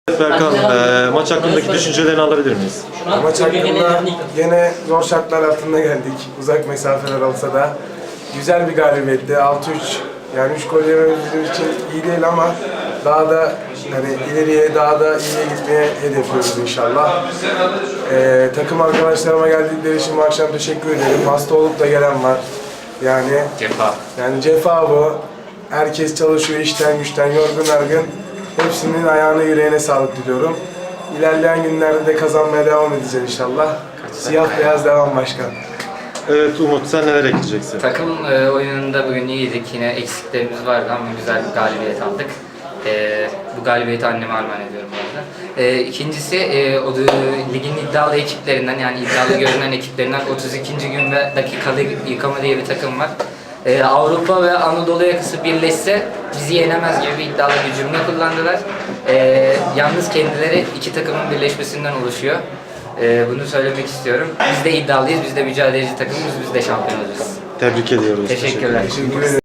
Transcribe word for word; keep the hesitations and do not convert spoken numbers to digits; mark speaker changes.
Speaker 1: Evet Berkan, e, maç hakkındaki düşüncelerini alabilir miyiz?
Speaker 2: Maç hakkında yine zor şartlar altında geldik. Uzak mesafeler olsa da güzel bir galibiyetti. altı üç. Yani üç gol yememiz bizim için iyi değil ama daha da hani ileriye daha da iyiye gitmeye hedefliyoruz inşallah. Ee, takım arkadaşlarıma geldikleri için bu akşam teşekkür ederim. Hasta olup da gelen var. Yani
Speaker 3: Cefa.
Speaker 2: yani cefa bu. Herkes çalışıyor işten güçten yorgun argın. Hepsinin ayağına yüreğine sağlık diliyorum. İlerleyen günlerde de kazanmaya devam edeceğiz inşallah. Siyah beyaz devam başkan.
Speaker 1: Evet Umut, sen neler ekleyeceksin?
Speaker 3: Takım e, oyununda bugün iyiydik. Yine eksiklerimiz vardı ama güzel bir galibiyet aldık. E, bu galibiyeti anneme armağan ediyorum bu arada. E, ikincisi e, o da, ligin iddialı ekiplerinden yani iddialı görünen ekiplerinden otuz ikinci gün ve dakikalı yıkama diye bir takım var. E, Avrupa ve Anadolu yakası birleşse bizi yenemez gibi bir iddialı bir cümle kullandılar. E, yalnız kendileri iki takımın birleşmesinden oluşuyor. Ee, bunu söylemek istiyorum. Biz de iddialıyız, biz de mücadeleci takımımız, biz de şampiyon olacağız.
Speaker 1: Tebrik ediyoruz.
Speaker 3: Teşekkürler.
Speaker 2: Teşekkür ederim.